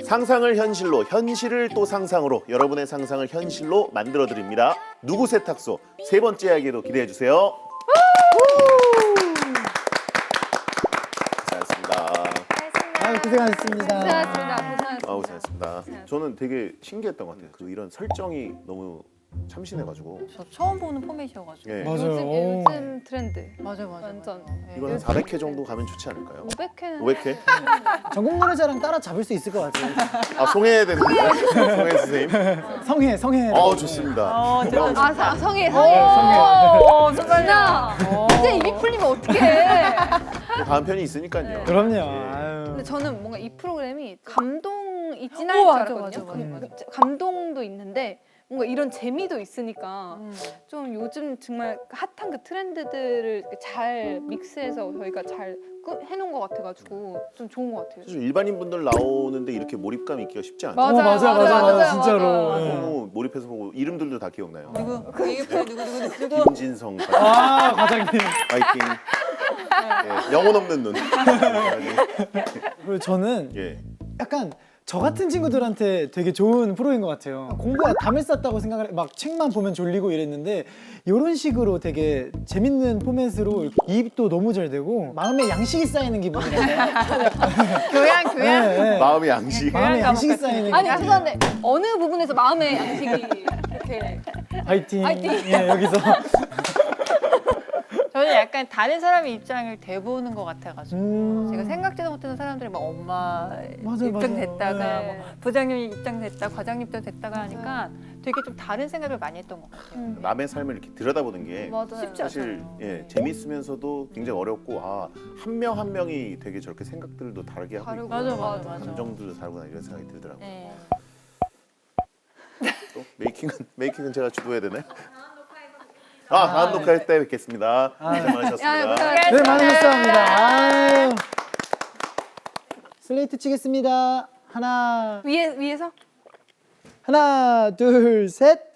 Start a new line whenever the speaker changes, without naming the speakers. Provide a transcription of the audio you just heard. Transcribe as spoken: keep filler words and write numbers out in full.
상상을 현실로, 현실을 또 상상으로 여러분의 상상을 현실로 만들어 드립니다. 누구 세탁소 세 번째 이야기도 기대해 주세요. 고생하셨습니다.
아, 고생하셨습니다.
고생하셨습니다. 고생하셨습니다.
아우 고생하셨습니다. 저는 되게 신기했던 것 같아요. 그 이런 설정이 너무 참신해가지고.
저 처음 보는 포맷이어가지고.
예.
맞아요.
요즘,
오.
요즘 트렌드.
맞아요, 맞아요.
완전.
맞아요. 네.
이거는 사백 회 정도 가면 좋지 않을까요?
오백 회는
오백 회?
전국 노래자랑 따라 잡을 수 있을 것 같아요.
아 송해야 되는 거예요? 송해 선생님?
성해, 성해.
어 좋습니다.
어,
너무
진짜.
아, 사- 성해, 성해.
어,
진짜. 이제 입이 풀리면 어떡해.
좋- 다음 편이 있으니까요.
그럼요.
예.
아유.
근데 저는 뭔가 이 프로그램이 감동이 진할
오,
줄
맞아,
알았거든요.
맞아, 맞아,
감- 감동도 있는데 뭔가 이런 재미도 있으니까
음.
좀 요즘 정말 핫한 그 트렌드들을 이렇게 잘 믹스해서 저희가 잘 끄- 해놓은 것 같아가지고 좀 좋은 것 같아요.
사실 일반인 분들 나오는데 이렇게 몰입감 있기가 쉽지 않아요.
맞아요,
어, 맞아, 맞아,
맞아요,
맞아,
맞아요,
진짜로.
맞아요.
예.
너무 몰입해서 보고 이름들도 다 기억나요.
누구? 그 얘기 누구, 누구, 누구, 누구?
김진성 과장,
아, 과장님.
파이팅. 예, 영혼 없는 눈.
그리고 저는
예.
약간 저 같은 친구들한테 되게 좋은 프로인 것 같아요. 공부가 담을 쌌다고 생각을 해. 막 책만 보면 졸리고 이랬는데 이런 식으로 되게 재밌는 포맷으로 이렇게 이입도 너무 잘 되고 마음에 양식이 쌓이는 기분이랄까요?
교양, 교양.
네, 네.
마음의 양식.
마음에 양식이
과목 같은
쌓이는
아니
기분.
죄송한데 어느 부분에서 마음의 양식이 이렇게
화이팅.
화이팅.
예, 여기서.
저는 약간 다른 사람의 입장을 대보는 것 같아가지고
음.
제가 생각지도 못하는 사람들이 막 엄마
맞아요,
입장
맞아요.
됐다가
네.
뭐 부장님 입장 됐다, 과장님 입장 됐다가 하니까 되게 좀 다른 생각을 많이 했던 것 같아요.
남의 삶을 이렇게 들여다보는 게
맞아요.
쉽지
사실
않잖아요.
예, 재밌으면서도 굉장히 어렵고 아, 한 명 한 명이 되게 저렇게 생각들도 다르게 하고
다르고.
있고
맞아, 맞아, 맞아.
감정들도 다르구나 이런 생각이 들더라고요.
네.
또 메이킹은 메이킹은 제가 주도해야 되나요? 아, 다음 녹화할 때 뵙겠습니다. 고생
야,
많으셨습니다.
고생하셨습니다.
네, 많은 감사합니다. 아유. 슬레이트 치겠습니다. 하나,
위에 위에서
하나, 둘, 셋.